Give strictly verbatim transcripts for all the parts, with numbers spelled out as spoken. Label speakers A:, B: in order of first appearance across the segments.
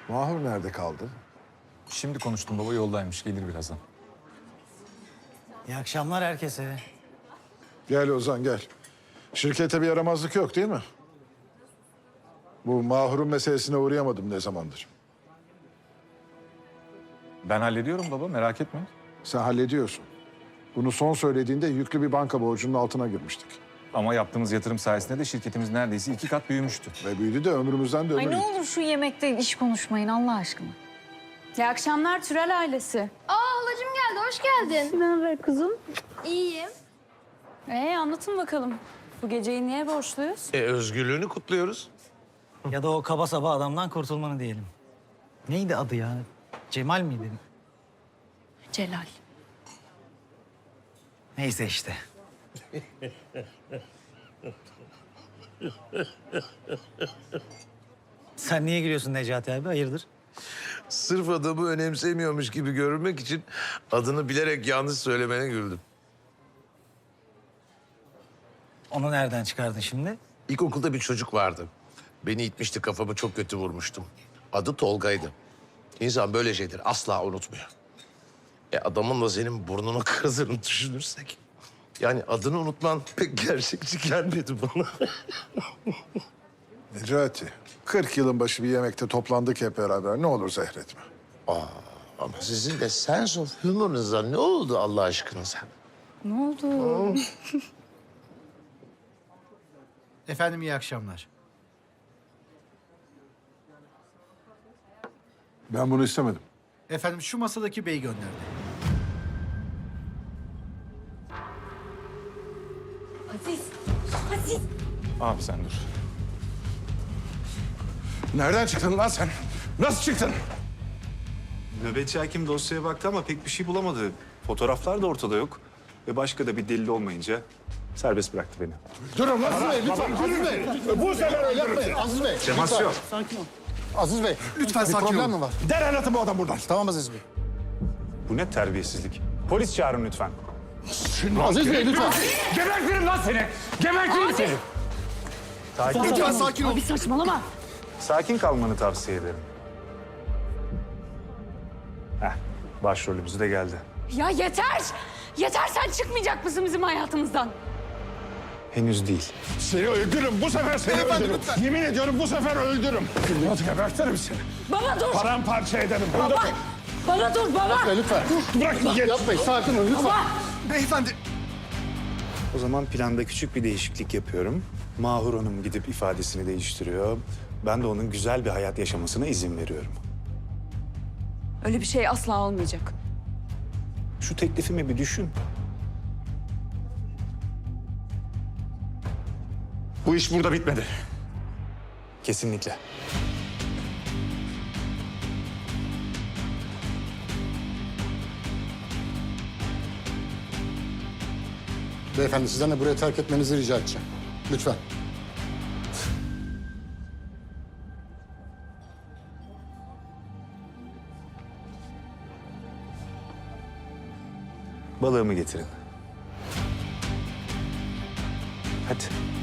A: Mahur nerede kaldı?
B: Şimdi konuştum baba, yoldaymış, gelir birazdan.
C: İyi akşamlar herkese.
A: Gel Ozan gel. Şirkete bir yaramazlık yok değil mi? Bu Mahur'un meselesine uğrayamadım ne zamandır.
B: Ben hallediyorum baba, merak etme.
A: Sen hallediyorsun. Bunu son söylediğinde yüklü bir banka borcunun altına girmiştik.
B: Ama yaptığımız yatırım sayesinde de şirketimiz neredeyse iki kat büyümüştü.
A: Ve büyüdü de ömrümüzden de ömür
D: Ay ne
A: gitti.
D: olur şu yemekte iş konuşmayın Allah aşkına.
E: İyi akşamlar Türel ailesi.
F: Aa halacığım geldi, hoş geldin.
E: Ne haber kızım?
F: İyiyim.
E: Ee anlatın bakalım. Bu geceyi niye borçluyuz?
G: E, özgürlüğünü kutluyoruz.
C: Ya da o kaba saba adamdan kurtulmanı diyelim. Neydi adı ya? Cemal miydi?
E: Celal.
C: Neyse işte. Sen niye gülüyorsun Necati abi? Hayırdır?
G: Sırf adamı önemsemiyormuş gibi görünmek için adını bilerek yanlış söylemene güldüm.
C: Onu nereden çıkardın şimdi?
G: İlkokulda bir çocuk vardı. Beni itmişti, kafamı çok kötü vurmuştum. Adı Tolga'ydı. İnsan böyle şeyleri asla unutmuyor. E adamın da senin burnunu kırdığını düşünürsek... yani adını unutman pek gerçekçi gelmedi bana.
A: Necati, kırk yılın başı bir yemekte toplandık hep beraber. Ne olur zehretme.
G: Ama sizin de sense of humor'ınıza ne oldu Allah aşkınıza?
E: Ne oldu?
H: Efendim iyi akşamlar.
A: Ben bunu istemedim.
H: Efendim şu masadaki bey gönderdi.
D: Aziz, Aziz.
B: Abi sen dur.
A: Nereden çıktın lan sen? Nasıl çıktın?
I: Nöbetçi hakim dosyaya baktı ama pek bir şey bulamadı. Fotoğraflar da ortada yok. Ve başka da bir delil olmayınca serbest bıraktı beni.
J: Durun Aziz Bey, lütfen Aziz Bey. Bu sefer öyle yapmayın Aziz Bey.
I: Temas yok.
J: Aziz Bey,
H: Lütfen
J: bir
H: sakin
J: problem
H: olun.
J: mi var?
I: Derhal atın bu adam buradan.
J: Tamam Aziz Bey.
I: Bu ne terbiyesizlik. Polis çağırın lütfen.
J: Aziz Bey lütfen.
I: Gebertirim lan seni! Gebertirim seni! Sakin,
H: Lütfen sakin olun.
E: Abi saçmalama.
I: sakin kalmanı tavsiye ederim. Heh, başrolümüz de geldi.
E: Ya yeter! Yeter, sen çıkmayacak mısın bizim hayatımızdan?
I: Henüz değil.
J: Seni öldürürüm. Bu sefer seni öldürürüm. Yemin ediyorum bu sefer öldürürüm. Nasıl gebertirim seni?
E: Baba dur!
J: Paramparça ederim.
E: Baba! Bana dur baba!
J: Lütfen.
I: Bırak git.
J: Yapmayın, sakin olun lütfen.
E: Baba!
H: Beyefendi.
I: O zaman planda küçük bir değişiklik yapıyorum. Mahur Hanım gidip ifadesini değiştiriyor. Ben de onun güzel bir hayat yaşamasına izin veriyorum.
E: Öyle bir şey asla olmayacak.
I: Şu teklifimi bir düşün. Bu iş burada bitmedi. Kesinlikle.
J: Beyefendi sizden de burayı terk etmenizi rica edeceğim. Lütfen.
I: Balığımı getirin. Hadi.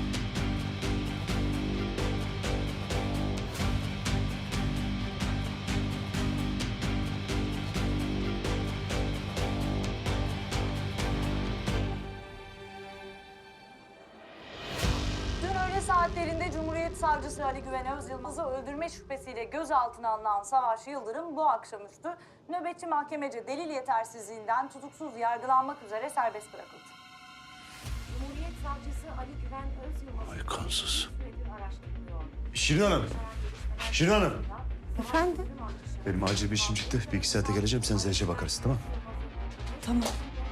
K: Dün öğle saatlerinde Cumhuriyet Savcısı Ali Güven Özyılmaz'ı öldürme şüphesiyle gözaltına alınan Savaş Yıldırım bu akşamüstü nöbetçi mahkemece delil yetersizliğinden tutuksuz yargılanmak üzere serbest bırakıldı. Cumhuriyet Savcısı Ali Güven Özyılmaz'ı
G: Aykonsuz.
L: Şirin Hanım. Şirin Hanım.
E: Efendim?
L: Benim acil bir işim çıktı. Bir iki saate geleceğim. Sen Zeyş'e bakarsın tamam?
E: Tamam.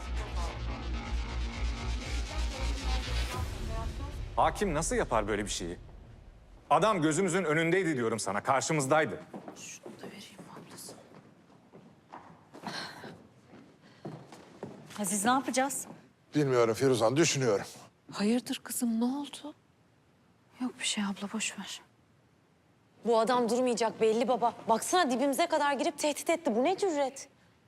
B: Hakim nasıl yapar böyle bir şeyi? Adam gözümüzün önündeydi diyorum sana, karşımızdaydı.
E: Şunu da vereyim ablası.
D: Aziz ne yapacağız?
A: Bilmiyorum Firuzan, düşünüyorum.
E: Hayırdır kızım, ne oldu? Yok bir şey abla, boş ver.
D: Bu adam durmayacak belli baba. Baksana dibimize kadar girip tehdit etti. Bu ne cüret?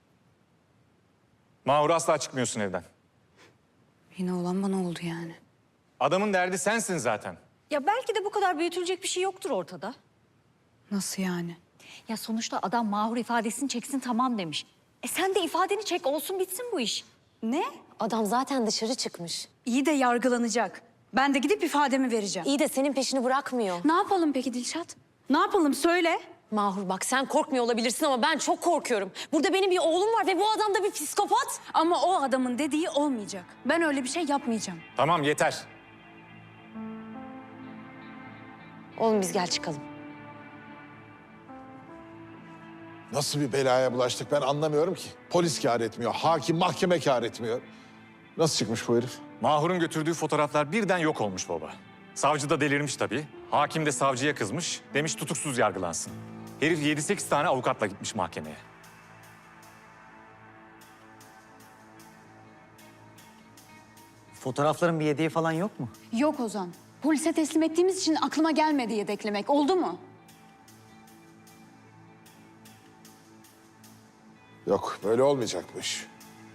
B: Mahur, asla çıkmıyorsun evden.
E: Yine olan bana oldu yani.
B: Adamın derdi sensin zaten.
D: Ya belki de bu kadar büyütülecek bir şey yoktur ortada.
E: Nasıl yani? Ya sonuçta adam Mahur ifadesini çeksin tamam demiş. E sen de ifadeni çek olsun bitsin bu iş.
D: Ne? Adam zaten dışarı çıkmış.
E: İyi de yargılanacak. Ben de gidip ifademi vereceğim.
D: İyi de senin peşini bırakmıyor.
E: Ne yapalım peki Dilşat? Ne yapalım söyle.
D: Mahur bak sen korkmuyor olabilirsin ama ben çok korkuyorum. Burada benim bir oğlum var ve bu adam da bir psikopat.
E: Ama o adamın dediği olmayacak. Ben öyle bir şey yapmayacağım.
B: Tamam yeter.
D: Oğlum biz gel çıkalım.
A: Nasıl bir belaya bulaştık ben anlamıyorum ki. Polis kâr etmiyor, hakim mahkeme kâr etmiyor. Nasıl çıkmış bu herif?
B: Mahur'un götürdüğü fotoğraflar birden yok olmuş baba. Savcı da delirmiş tabii. Hakim de savcıya kızmış. Demiş tutuksuz yargılansın. Herif yedi sekiz tane avukatla gitmiş mahkemeye.
C: Fotoğrafların bir yedeği falan yok mu?
E: Yok Ozan. Polise teslim ettiğimiz için aklıma gelmedi yedeklemek. Oldu mu?
A: Yok, böyle olmayacakmış.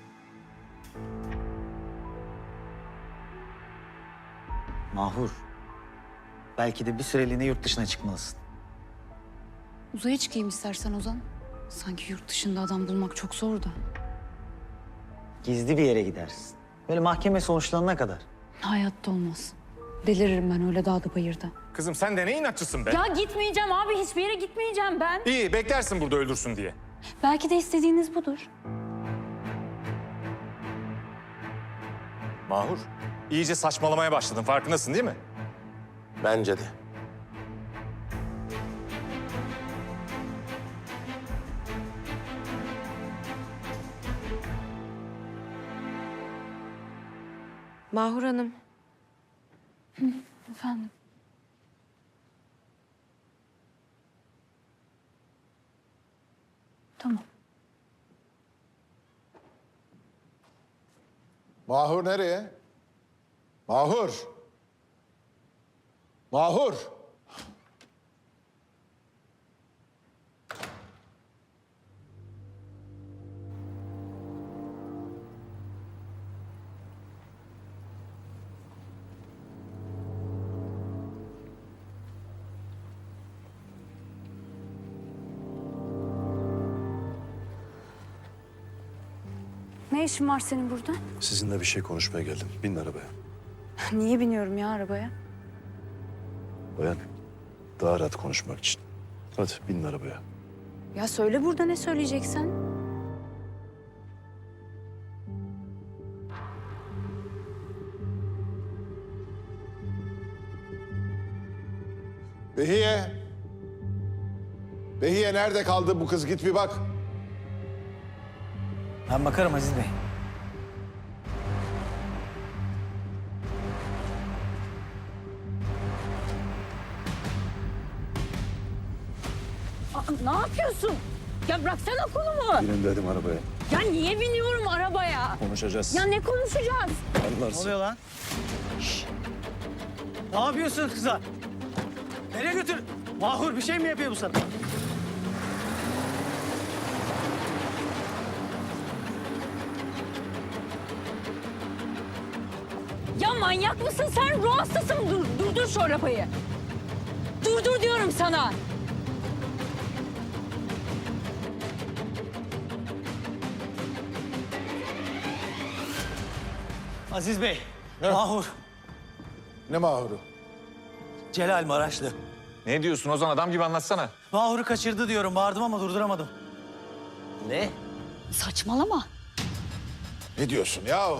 C: Mahur. Belki de bir süreliğine yurt dışına çıkmalısın.
E: Uzaya çıkayım istersen Ozan. Sanki yurt dışında adam bulmak çok zor da.
C: Gizli bir yere gidersin. Böyle mahkeme sonuçlanana kadar.
E: Hayatta olmaz. Deliririm ben öyle dağda bayırda.
B: Kızım sen de ne inatçısın be?
E: Ya gitmeyeceğim abi. Hiçbir yere gitmeyeceğim ben.
B: İyi beklersin burada öldürsün diye.
E: Belki de istediğiniz budur.
B: Mahur, iyice saçmalamaya başladın. Farkındasın değil mi?
G: Bence de.
D: Mahur Hanım.
E: Efendim. Tamam.
A: Mahur nereye? Mahur! Mahur!
E: Ne işin var senin burada?
L: Sizinle bir şey konuşmaya geldim. Binin arabaya.
E: Niye biniyorum ya arabaya?
L: Bayan, daha rahat konuşmak için. Hadi binin arabaya.
E: Ya söyle burada ne söyleyeceksen.
A: Behiye! Behiye nerede kaldı bu kız? Git bir bak.
C: Ben bakarım Aziz Bey.
E: Aa, ne yapıyorsun? Ya bıraksana kolumu.
L: Binin dedim arabaya.
E: Ya niye biniyorum arabaya?
L: Konuşacağız.
E: Ya ne konuşacağız?
C: Ne
L: Anlarsın.
C: oluyor lan? Şşş! Ne yapıyorsun kıza? Nereye götür? Mahur bir şey mi yapıyor bu sana?
E: Ya manyak mısın sen? Ruh hastası mı? Dur, durdur şu arabayı. Durdur diyorum sana.
C: Aziz Bey, Mahur,
A: Ne Mahur'u?
C: Celal Maraşlı.
B: Ne diyorsun Ozan? Adam gibi anlatsana.
C: Mahur'u kaçırdı diyorum. Bağırdım ama durduramadım. Ne?
E: Saçmalama.
A: Ne diyorsun ya?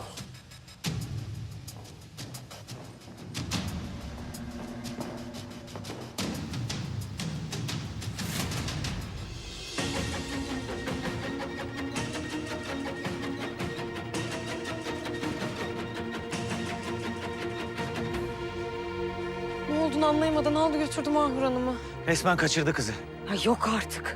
D: Ne olduğunu anlayamadan aldı götürdü Mahur Hanım'ı.
C: Resmen kaçırdı kızı.
D: Ya yok artık.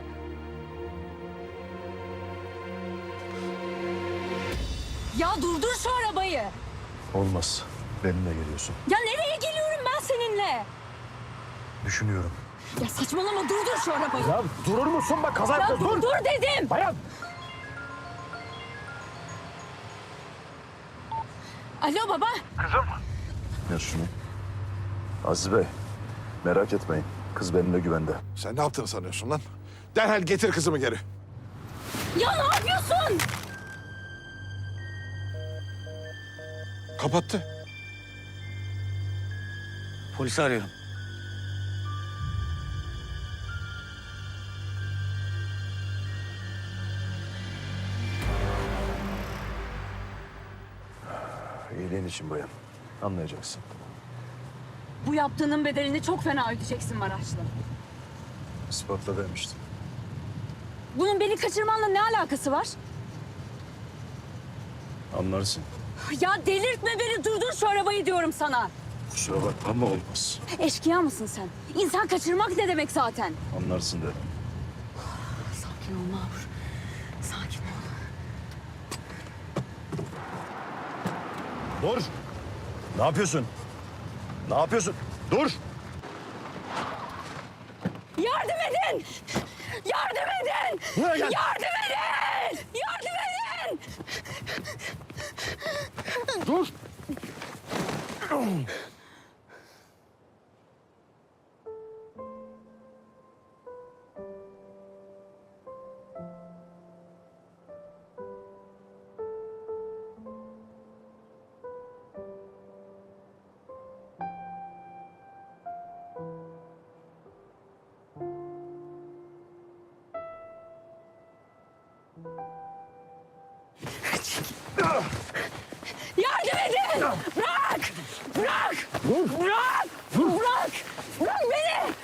E: Ya durdur şu arabayı.
L: Olmaz. Benimle geliyorsun.
E: Ya nereye geliyorum ben seninle?
L: Düşünüyorum.
E: Ya saçmalama durdur şu arabayı.
J: Ya durur musun bak kaza
E: Ya
J: yapma, dur.
E: durdur dedim.
J: Bayan.
E: Alo baba.
L: Ver şunu. Aziz Bey, merak etmeyin. Kız benimle güvende.
A: Sen ne yaptığını sanıyorsun lan? Derhal getir kızımı geri.
E: Ya ne yapıyorsun?
A: Kapattı.
C: Polisi arıyorum.
L: İyiliğin için bayan. Anlayacaksın.
E: Bu yaptığının bedelini çok fena ödeyeceksin Maraşlı.
L: İspatla demiştim.
E: Bunun beni kaçırmanla ne alakası var?
L: Anlarsın.
E: Ya delirtme beni, durdur şu arabayı diyorum sana.
L: Kusura bakma ama olmaz.
E: Eşkıya mısın sen? İnsan kaçırmak ne demek zaten?
L: Anlarsın dedim.
E: Sakin ol Mahur. Sakin ol.
L: Dur! Ne yapıyorsun? Ne yapıyorsun? Dur!
E: Yardım edin! Yardım edin!
L: Buraya gel!
E: Yardım edin! Yardım edin!
L: Dur!
E: Yardım edin! Bırak! Bırak! Bırak! Bırak! Bırak beni!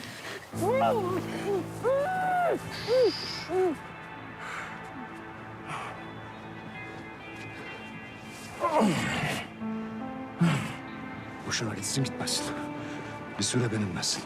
L: Boşuna gitsin gitmesin. Bir süre benimlesin.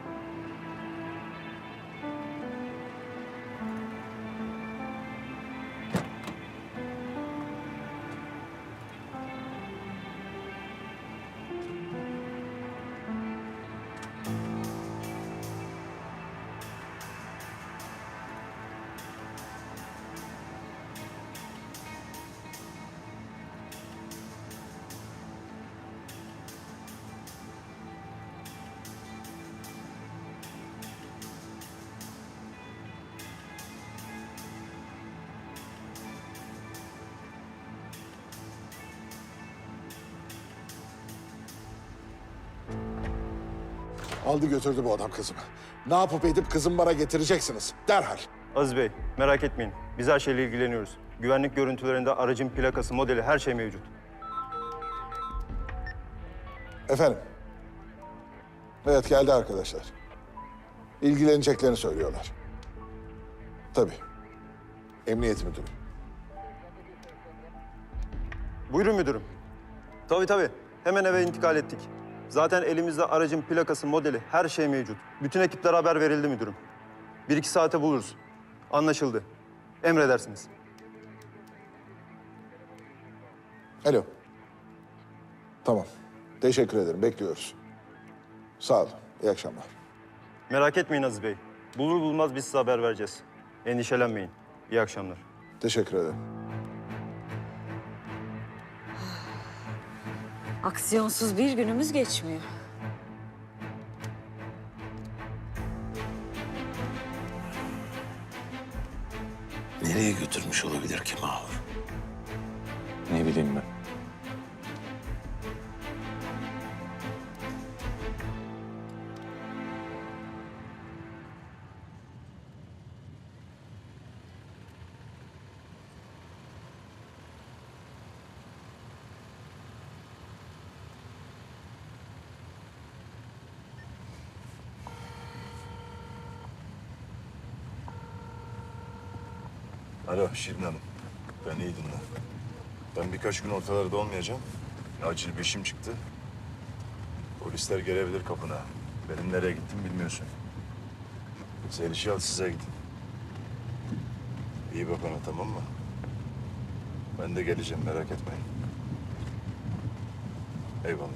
A: Aldı götürdü bu adam kızımı. Ne yapıp edip kızımı bana getireceksiniz. Derhal.
M: Aziz Bey, merak etmeyin. Biz her şeyle ilgileniyoruz. Güvenlik görüntülerinde aracın plakası, modeli, her şey mevcut.
A: Efendim. Evet geldi arkadaşlar. İlgileneceklerini söylüyorlar. Tabii. Emniyet müdürü.
M: Buyurun müdürüm. Tabii tabii. Hemen eve intikal ettik. Zaten elimizde aracın plakası, modeli, her şey mevcut. Bütün ekiplere haber verildi müdürüm. Bir iki saate buluruz. Anlaşıldı. Emredersiniz.
A: Alo. Tamam. Teşekkür ederim. Bekliyoruz. Sağ olun. İyi akşamlar.
M: Merak etmeyin Aziz Bey. Bulur bulmaz biz size haber vereceğiz. Endişelenmeyin. İyi akşamlar.
A: Teşekkür ederim.
D: Aksiyonsuz bir günümüz geçmiyor.
G: Nereye götürmüş olabilir ki Mahur?
B: Ne bileyim ben.
L: Alo Şirin Hanım. Ben iyi dinle. Ben birkaç gün ortalarda olmayacağım. Acil bir işim çıktı. Polisler gelebilir kapına. Benim nereye gittim bilmiyorsun. Zeliş'i al size gidin. İyi bak ona, tamam mı? Ben de geleceğim, merak etmeyin. Eyvallah.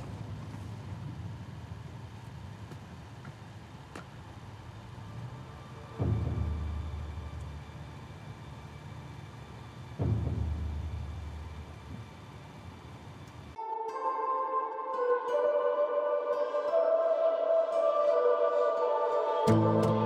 A: Thank you.